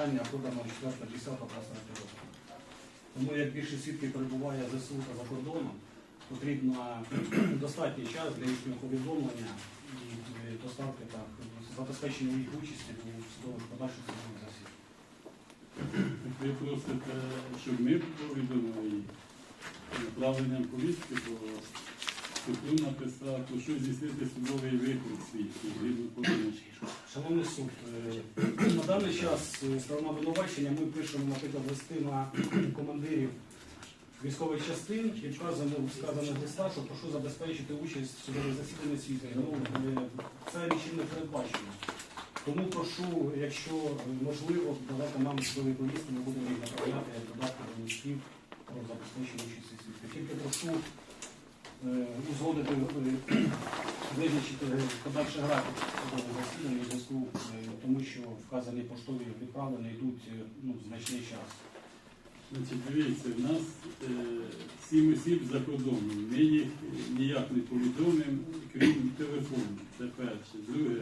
виконання подано 4.10 року. Тому як більше свідків перебуває ЗСУ та за кордоном, потрібно достатній час для їхнього повідомлення і доставки та забезпечення їх участі у судових подальших судових засіданнях. Ви просите, щоб ми повідомили направленням повістки, то суду написати, що здійснити судовий виклик свідків, згідно повідомлення. Шановний суд, на даний час сторона обвинувачення ми пишемо, наприклад, листи на командирів військових частин і вказано в сказаних листах, що прошу забезпечити участь в судових засіданнях свідків. Це нічим не передбачено. Тому прошу, якщо можливо, давати нам судові повістки, ми будемо їх направляти як додатки до листів про забезпечення участі свідків. Тільки прошу узгодити, визначити подальший графік судового засідання у зв'язку, тому що вказані поштові відправлення йдуть значний час. Значить, дивіться, в нас 7 осіб за кордоном. Ми їх ніяк не повідомимо, крім телефону. Це перше. Друге,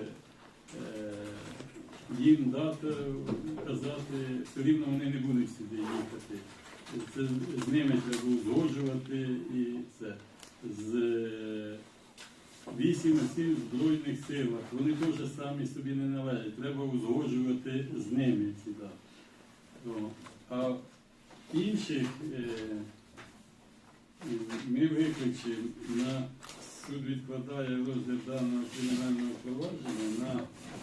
їм дати казати, все рівно вони не будуть сюди їхати. Це з ними треба узгоджувати і це. З 8 осіб в Збройних силах. Вони теж самі собі не належать. Треба узгоджувати з ними ці дати. А інших ми виключимо, на суд відкладає розгляд даного кримінального провадження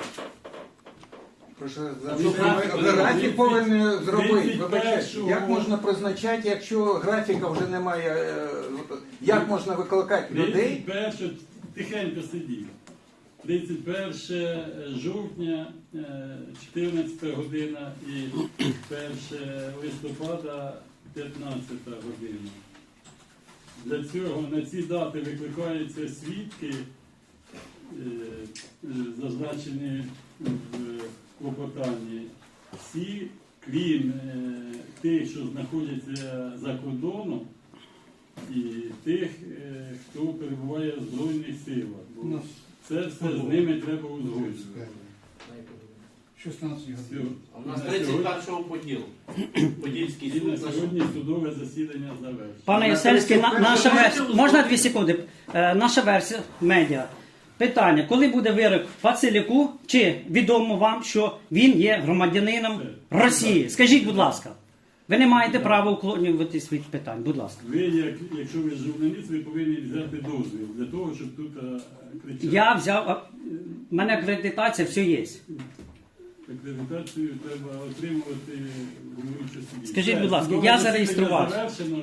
на графік повинен зробити. Як можна призначати, якщо графіка вже немає? Як можна викликати людей? 31, тихенько сидів. 31 жовтня, 14 година і 1 листопада, 15 година. Для цього на ці дати викликаються свідки, зазначені в клопотанні. Всі, крім тих, що знаходяться за кордоном, і тих, хто перебуває в Збройних силах. Бо це все з ними треба узгоджувати. 16 годин. У нас 31-го поділ. Подільський І на суд. сьогодні судове засідання завершено. Пане Єсельський, наша версія, можна 2 секунди? Наша версія, медіа. Питання, коли буде вирок Пацелюку, чи відомо вам, що він є громадянином Росії? Скажіть, будь ласка. Ви не маєте права уклонюватись від питань, будь ласка. Ви, якщо ви журналіст, ви повинні взяти дозвіл для того, щоб тут кричати. Я взяв, в мене акредитація, все є. Акредитацію треба отримувати головуючу судді. Скажіть, будь ласка, я зареєструвався. Завершено.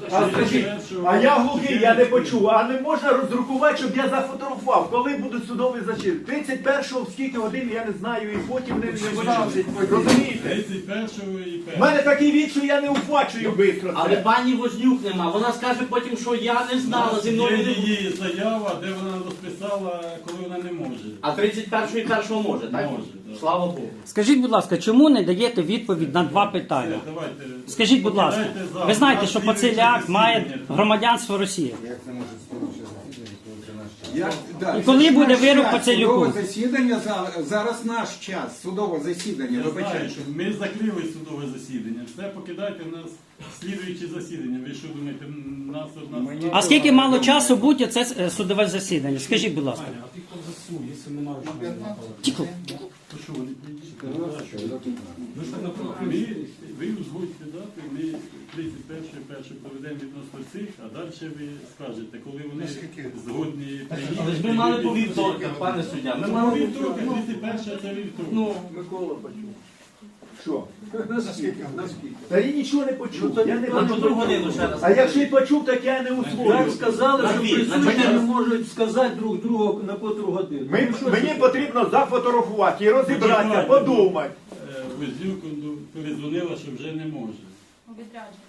А я глухий, я не почув. А не можна роздрукувати, щоб я зафотографував. Коли будуть судові засідання? 31-го в скільки годин, я не знаю, і потім не знаю. Розумієте? 31-го і 1-го. У мене такий від, що я не ухвачую швидко Але це. пані Вознюк нема. Вона скаже потім, що я не знала, зі мною Є не... її заява, де вона розписала, коли вона не може. А 31-го і 1-го може, так? Може, так. Слава Богу. Скажіть, будь ласка, чому не даєте відповідь на 2 питання? Все, давайте. Скажіть, будь ласка, Покидайте зал. ви знаєте, що Слідуюче Пацеляк має засідання. громадянство Росії? Як це може слідче засідання, коли це наш час? І коли буде вирок Пацелюку? Судове засідання, зараз наш час, судове засідання, Я знаю, вибачайте. що ми закрили судове засідання. Все, покидайте в нас слідуючі засідання. Ви що думаєте, нас одна... А скільки мало часу буде це судове засідання? Скажіть, будь ласка. А ти хто в ЗСУ, якщо немає що Тихо. То що, вони приїдуть? ви ж так наприклад, Ви узгодьте дати, ми 31-й проведемо відносно цих, а далі ви скажете, коли вони згодні приїдуть. Але ж ми мали по вівторках, пане суддя. Ми По мали вівторках, 31 це вівторок. Ну, Микола почув. Що? Наскільки? Та я нічого не почув. Я не на почув. котру годину ще раз. А якщо й почув, так я не усвоюю. Так сказали, На що дві, на присутні чотири. не можуть сказати друг другу на котру годину. Мені потрібно зафотографувати і розібратися, подумати. Вознюк передзвонила, що вже не може. Відрядження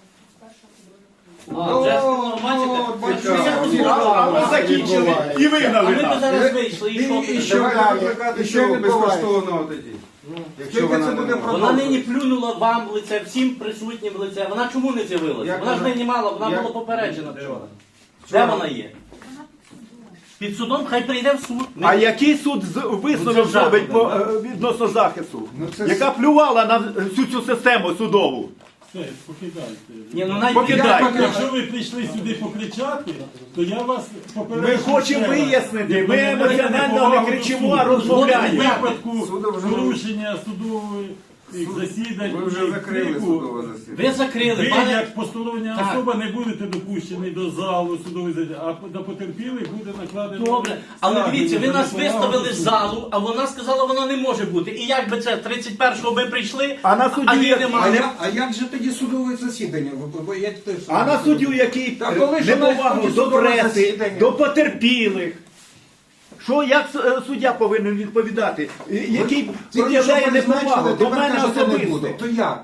з 1-го по 2-го. А, вже А ми закінчили і А вигнали ми б нас. зараз вийшли, і що І ти? що далі? І що не безкоштовно тоді? Скільки це буде Вона продовжувати? нині плюнула вам в лице, всім присутнім в лице. Вона чому не з'явилася? Як Вона ж вона? нині мала, вона Як? була попереджена вчора. Де вона є? Вона під судом. Під судом хай прийде в суд. А який суд висновок Ну, це зробить жахливо, відносно захисту? Ну, це Яка плювала на всю цю систему судову? Все, покидайте. Ні, ну навіть Покидайте. Якщо ви прийшли сюди покричати, то я вас Ми попереджу. хочемо ще раз. вияснити, ми Не емоціонально повагу не до кричимо, суду. а В розмовляємо. випадку Суду вже- порушення судових засідань. Ви вже і закрили крику, судове засідання. ви закрили, Ви, пане. як постороння Так. особа, не будете допущені до залу судових засідань, а на потерпілих буде накладено. Добре, але стягнення дивіться, ви за нас неповагу виставили до з суду. залу, а вона сказала, вона не може бути. І як би це 31-го ми прийшли, А на суді а її як- немає. А як же тоді судове засідання? Я теж А на суддю, який Та коли ж у нас неповагу тоді до судове преси, засідання? до потерпілих. Що, як суддя повинен відповідати? Який проявляє неповагу до мене особисто? То як?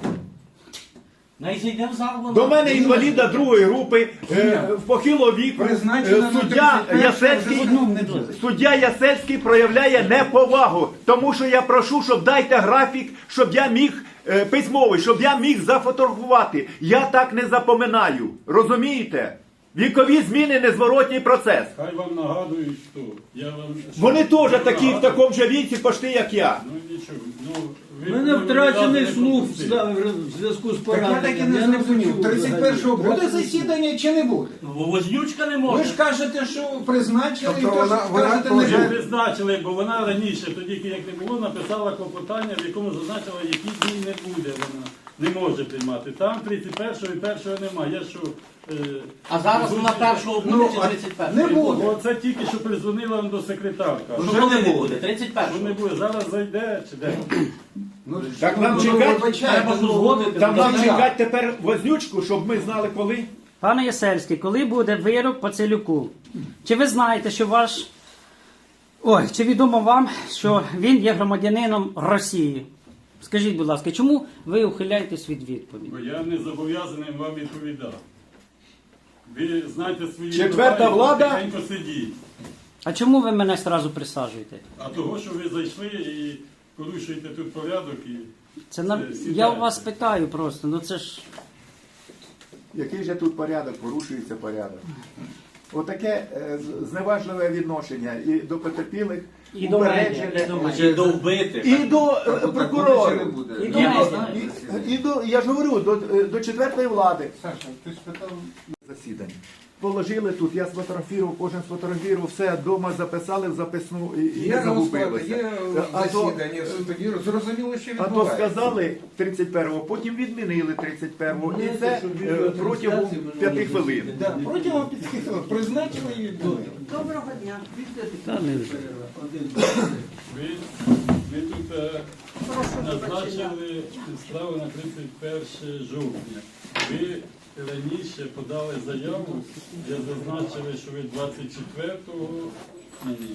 Най зайде в зал вона. До мене інваліда другої групи, в похилого віку, Призначено на суддя 31-го, Ясельський, вже одному не буде. суддя Ясельський проявляє неповагу, тому що я прошу, щоб дайте графік, щоб я міг письмовий, щоб я міг зафотографувати. Я так не запоминаю. Розумієте? Вікові зміни незворотній процес. Хай вам нагадують, хто. Я вам... Вони теж такі в Нагадую. такому же віці, почти як я. Ну нічого. Ну, У мене втрачений не слух пропустили. в зв'язку з Так я так і пораненням. не зрозумів. почув 31-го взагалі. буде засідання чи не буде? Вознючка не Ви може. ж кажете, що призначили, і Тобто то ж вона кажете, не Вже буде. призначили, бо вона раніше, тоді як не було, написала клопотання, в якому зазначила, які дні не буде вона. Не може приймати. Там 31-го і 1-го немає. Я що... А зараз вона 1-го буде чи а 31-го? не буде. Оце тільки що перезвонила до секретарка. Що Вже коли не не буде. буде? Що не 31-го. буде? Зараз зайде чи де? Ну, Так нам ну, чекати? вибачайте, Треба ну, узгодити. Там нам як? чекати тепер вознючку, щоб ми знали коли. Пане Ясельський, коли буде вирок по Целюку? Чи ви знаєте, що ваш. Ой, чи відомо вам, що він є громадянином Росії? Скажіть, будь ласка, чому ви ухиляєтесь від відповіді? Бо я не зобов'язаний вам відповідати. Ви знаєте свої Четверта права і влада? тихенько сидіть. А чому ви мене одразу присаджуєте? А того, що ви зайшли і порушуєте тут порядок і... Це на... Сідайте. Я у вас питаю просто, ну це ж. Який же тут порядок, порушується порядок. Отаке зневажливе відношення і до потерпілих, І до мене, упереджене, і до мене. І до вбитих. і до Так, прокурорів. буде чи не буде? І до Я мене. не знаю. І до, я ж говорю, до четвертої влади. Саша, ти спитав, Засідання. Положили тут, я сфотографував, кожен сфотографував, все, вдома записали в записну і Є не розклад, загубилося. є А то- засідання, тоді зрозуміло, що А то відбувається. сказали 31-го, потім відмінили 31-го, і Знаєте, це що відео протягом трансляції 5 минулої хвилин. засідання. Да, протягом 5 хвилин призначили і відбувається. Доброго дня. Та не вже. Ви тут назначили справу на 31 жовтня. Ви раніше подали заяву, де зазначили, що ви 24-го, ні,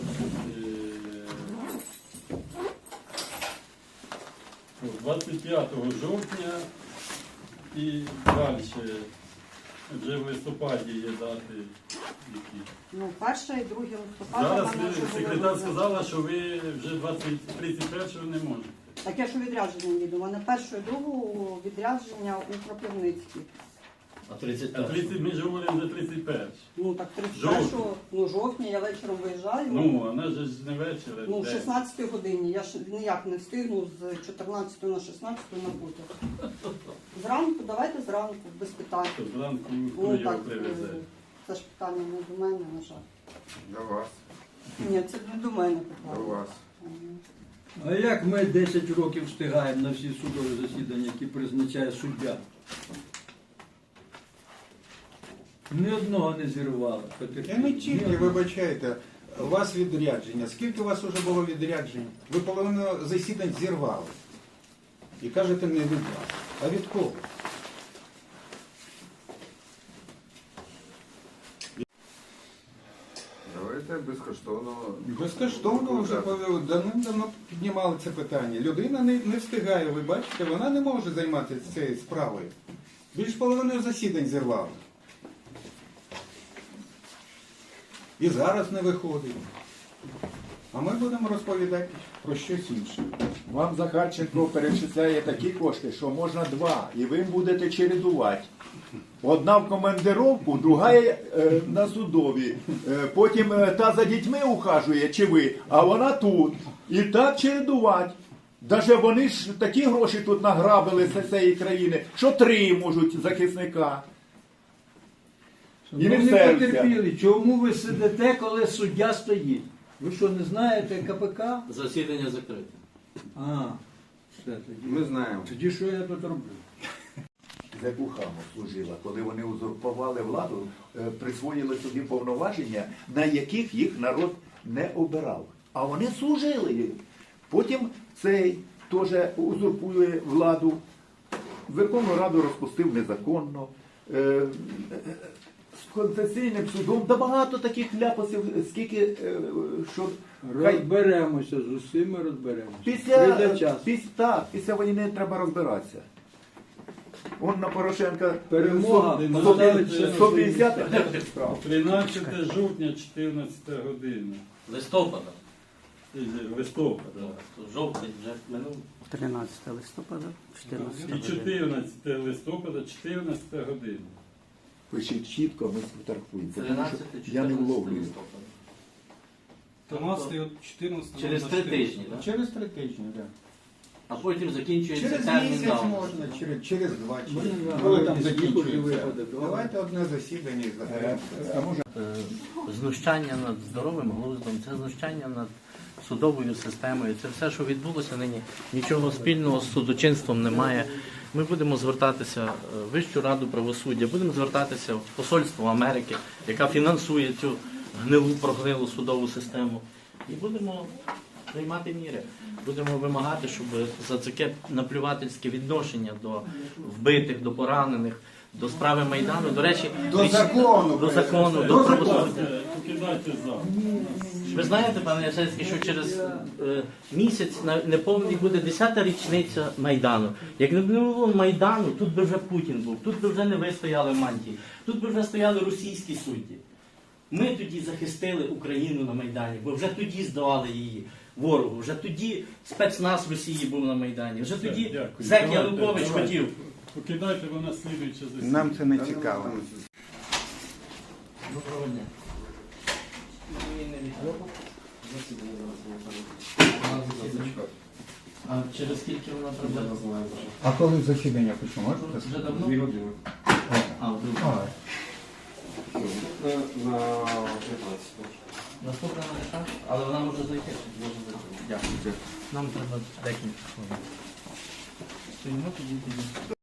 25 жовтня і далі. Вже в листопаді є дати які. Ну, 1 і 2 листопада. Зараз в мене вже були секретар визнання. сказала, що ви вже 31-го не можете. Так я ж у відрядження їду. У мене 1 і 2 відрядження у Кропивницькій. А А 31-го. 30 ми ж говоримо за 31. Ну так 31 ну, жовтня я вечором виїжджаю. Ну, вона ж не вечір. Ну, в день. 16 годині. Я ж ніяк не встигну з 14 на 16 на потяг. Зранку, давайте зранку, без питань. То зранку Ну хто його так, привезе. це ж питання не до мене, на жаль. До вас, Ні, це не до мене до питання. вас. А як ми 10 років встигаємо на всі судові засідання, які призначає суддя? Ні одного не зірвали. Я не тільки, вибачайте, у вас відрядження. Скільки у вас вже було відряджень? Ви половину засідань зірвали. І кажете, не від вас. А від кого? Давайте безкоштовно. Безкоштовно вже давним-давно піднімали це питання. Людина не встигає, ви бачите, вона не може займатися цією справою. Більш половиною засідань зірвали. І зараз не виходить. А ми будемо розповідати про щось інше. Вам Захарченко перечисляє такі кошти, що можна два, і ви будете чередувати. Одна в командировку, друга на судові. Потім та за дітьми ухажує, чи ви, а вона тут. І так чередувати. Даже вони ж такі гроші тут награбили з цієї країни, що 3 можуть захисника. І не Ну, не серця. потерпіли. Чому ви сидите, коли суддя стоїть? Ви що, не знаєте КПК? Засідання закрите. А, все тоді. Ми знаємо. Тоді що я тут роблю? За Кухаму служила, коли вони узурпували владу, присвоїли собі повноваження, на яких їх народ не обирав. А вони служили. Потім цей теж узурпує владу. Верховну Раду розпустив незаконно. З концесійним судом, да багато таких ляпасів, скільки, що... Розберемося з усіма, розберемося. Прийде час. Після війни треба розбиратися. Он на Порошенка Перемога наставиться 150 справ. 13 жовтня, 14 година. Листопада. Листопада. Жовтень вже минув. 13 листопада, 14 І 14 листопада, 14 година. Пишіть чітко, ми сфотографуємо. Тому 13 що я не 14 вловлюю. листопада. 13, 14. Через 3 тижні, так? Через 3 тижні, так. А потім закінчується Через термін місяць давності. можна, через 2. Можна Коли там нагадати, закінчується. випадок. Давайте одне засідання і заберемо. А може Знущання над здоровим глуздом, це знущання над судовою системою. Це все, що відбулося нині, нічого спільного з судочинством немає. Ми будемо звертатися в Вищу раду правосуддя, будемо звертатися в Посольство Америки, яка фінансує цю прогнилу судову систему. І будемо приймати міри. Будемо вимагати, щоб за таке наплювательське відношення до вбитих, до поранених, до справи Майдану, до речі, До закону. до закону, До до закону. правосуддя. Покидайте зал. Ви знаєте, пане Ясельський, що через місяць неповний буде 10-та річниця Майдану. Як не було Майдану, тут би вже Путін був, тут би вже не ви стояли в мантії, тут би вже стояли російські судді. Ми тоді захистили Україну на Майдані, бо вже тоді здавали її ворогу, вже тоді спецназ Росії був на Майдані, вже тоді дякую. Зек Давайте, Янукович давайте. хотів. Покидайте, вона слідуюча засідання. Нам це не цікаво. Доброго дня. А через скільки вона прибуде? А коли засідання почнемо? Можете? Вже давно? 2 години. А, вдруг. Наступна не так, але вона може зайти. Дякую. Нам треба декілька хвилин. Стоїмо тоді.